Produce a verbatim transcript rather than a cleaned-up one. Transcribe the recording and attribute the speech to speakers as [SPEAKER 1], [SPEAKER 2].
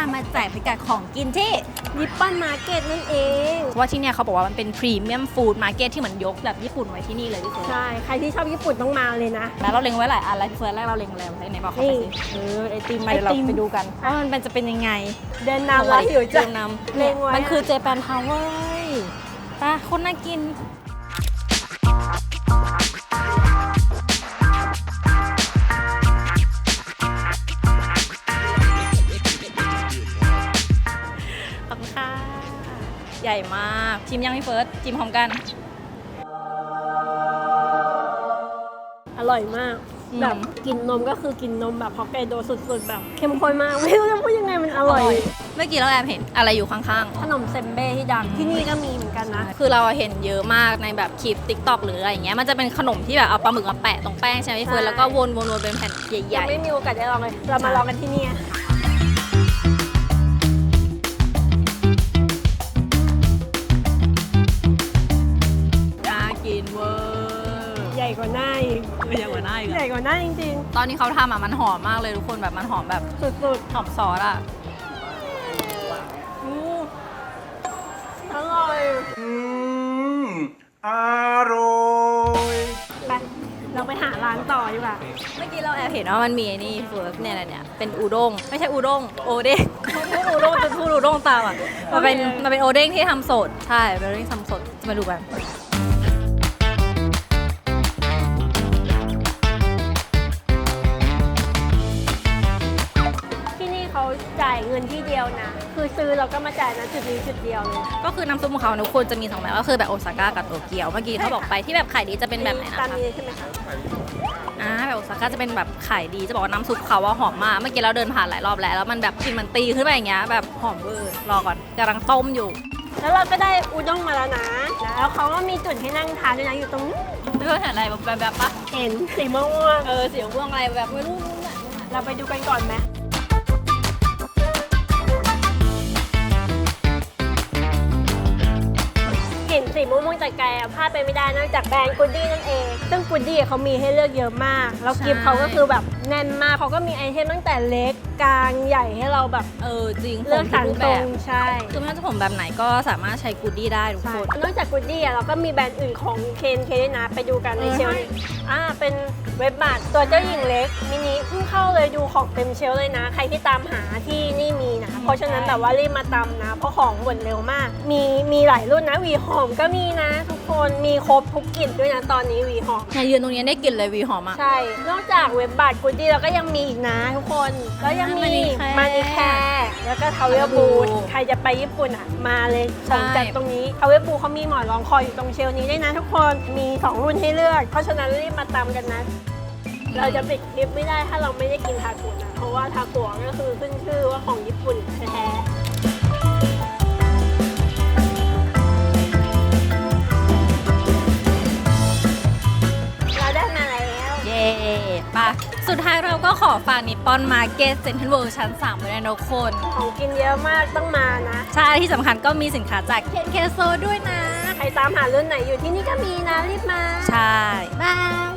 [SPEAKER 1] ามาแจกพิกัดของกินที่
[SPEAKER 2] นิปปอนมาร์เก็ตนั่นเอง
[SPEAKER 1] ว่าที่เนี่ยเขาบอกว่ามันเป็นพรีเมียมฟู้ดมาร์เก็ตที่เหมือนยกแบบญี่ปุ่นไว้ที่นี่เลยพี่เฟิร์ส
[SPEAKER 2] ใช่ใครที่ชอบญี่ปุ่นต้องมาเลยนะ
[SPEAKER 1] แล้วเราเล็งไว้หลายอันแล้วพี่เฟิร์สแรกเราเล็งอะไรไหนบอกเขาไปสิเออไอติมมาเดี๋ยวเราไปดูกันว่ามันเป็นจะเป็นยังไง
[SPEAKER 2] เดินนำแล้วหิวจัง
[SPEAKER 1] นำเล็งไว้มันคือเจแปนทาวเวอร์ป่ะคนน่ากินขอบคุณค่ะใหญ่มากชิมยังพี่เฟิร์สชิมพร้อมกัน
[SPEAKER 2] อร่อยมากแบบกินนมก็คือกินนมแบบฮอกไกโดสุดๆแบบเข้มข้นมากไม่รู้จะพูดยังไงมันอร่อย
[SPEAKER 1] เมื่อกี้เราแอบเห็นอะไรอยู่ข้าง
[SPEAKER 2] ๆขนมเซมเบ้ที่ดังที่นี่ก็มีเหมือนกันนะ
[SPEAKER 1] คือเราเห็นเยอะมากในแบบคลิป ติ๊กต็อก หรืออะไรอย่างเงี้ยมันจะเป็นขนมที่แบบเอาปลาหมึกมาแปะตรงแป้งใช่ไหมพี่เฟิร์นแล้วก็วนๆๆเป็นแผ่นใหญ่
[SPEAKER 2] ๆไม่มีโอกาสได้ลองเลยเรามาลองกันที่นี่
[SPEAKER 1] น่ากินเวอร์
[SPEAKER 2] ใหญ่กว่าหน้าอีก
[SPEAKER 1] ใหญ่กว่าหน้าอีก
[SPEAKER 2] ใหญ่กว่าหน้าจริง
[SPEAKER 1] ๆตอนนี้เขาทำอ่ะมันหอมมากเลยทุกคนแบบมันหอมแบบ
[SPEAKER 2] สุด
[SPEAKER 1] ๆหอมซอสอ่ะ
[SPEAKER 2] อร่อย
[SPEAKER 3] อืมอร่อย
[SPEAKER 2] ไปเราไปหาร้านต่อดีกว่า
[SPEAKER 1] เมื่อกี้เราแอบเห็นว่ามันมีนี่เฟิร์สเนี่ยอะไรเนี่ยเป็นอูด้งไม่ใช่อูด้งโอเด้งพูดอูด้งจะพูดอูด้งตามอ่ะมันเป็นมันเป็นโอเด้งที่ทำสดใช่เป็นโอเด้งทำสดมาดูกัน
[SPEAKER 2] เขาจ่ายเงินที่เดียวนะคือซื้อเราก็มาจ่ายนะจุดนี้จุดเดียวเลย
[SPEAKER 1] ก็คือน้ำซุปของเขาทุกคนจะมีสองแบบก็คือแบบโอซาก้ากับโตเกียวเมื่อกี้เขาบอกไปที่แบบขายดีจะเป็นแบบไหนนะคะ
[SPEAKER 2] ตามนี้ใช่ไหมคะ
[SPEAKER 1] อ่าแบบโอซาก้าจะเป็นแบบขายดีจะบอกว่าน้ำซุปเขาว่าหอมมากเมื่อกี้เราเดินผ่านหลายรอบแล้วแล้วมันแบบกลิ่นมันตีขึ้นไปอย่างเงี้ยแบบหอมเวอร์รอก่อนกำลังต้มอยู่
[SPEAKER 2] แล้วเราก็ได้อุด้งมาแล้วนะแล้วเขาก็มีจุดให้นั่งทานด้วยนะอยู่ตรงนี้
[SPEAKER 1] ไม่รู้เห็นอะไรแบบแบบปะ
[SPEAKER 2] เห็นสีม่วง
[SPEAKER 1] เออสีม่วงอะไรแบบไม่รู้
[SPEAKER 2] เราไปดูกันก่อนไหมเห็นสีม่วงๆจากไกลพลาดไปไม่ได้นอกจากแบรนด์กูดดี้นั่นเองซึ่งกูดดี้เขามีให้เลือกเยอะมากแล้วกิฟต์เขาก็คือแบบแน่นมากเขาก็มีไอเทมตั้งแต่เล็กกลางใหญ่ให้เราแบบ
[SPEAKER 1] เออจริง
[SPEAKER 2] เลือกสรรตรงใช่
[SPEAKER 1] คือไม่ว่าจะผมแบบไหนก็สามารถใช้กูดดี้ได้ทุกคน
[SPEAKER 2] นอกจากกูดดี้เราก็มีแบรนด์อื่นของเคนเคด้วยนะไปดูกันในเชลล์อ่าเป็นเว็บบาทตัวเจ้าหญิงเล็กมินิเพิ่งเข้าเลยดูของเต็มเชลล์เลยนะใครที่ตามหาที่นี่มีนะเพราะฉะนั้นแบบว่ารีบมาตำนะเพราะของหมดเร็วมากมีมีหลายรุ่นนะวีหอมก็มีนะทุกคนมีครบทุกกลิ่นด้วยนะตอนนี้วีหอม
[SPEAKER 1] เนี่ยยืนตรงนี้ได้กลิ่นเลยวีหอมอ่ะ
[SPEAKER 2] ใช่นอกจากเว็บบาทกูดดี้เราก็ยังมีอีกนะทุกคนแล้วยังมีมานิแคร์แล้วก็ทาวเวลบูทใครจะไปญี่ปุ่นอ่ะมาเลยของจากตรงนี้ทาวเวลบูทเขามีหมอนรองคอยอยู่ตรงเชลล์นี้ด้วยนะทุกคนมีสองรุ่นให้เลือกเพราะฉะนั้นรีบมาตามกันนะเราจะปิดคลิปไม่ได้ถ้าเราไม่ได้กินทาโกะนะเพราะว่าทาโกะก็คือขึ้นชื่อว่าของญี่ปุ่นแท้
[SPEAKER 1] ป่ะสุดท้ายเราก็ขอฝากนิปปอนมาร์เก็ตเซ็นทรัลเวิลด์ชั้นสามไว้ด้วยนะทุกคน
[SPEAKER 2] ของกินเยอะมากต้องมานะ
[SPEAKER 1] ใช่ที่สำคัญก็มีสินค้าจากเคนเคโซด้วยนะ
[SPEAKER 2] ใครตามหารุ่นไหนอยู่ที่นี่ก็มีนะรีบมา
[SPEAKER 1] ใช่บาย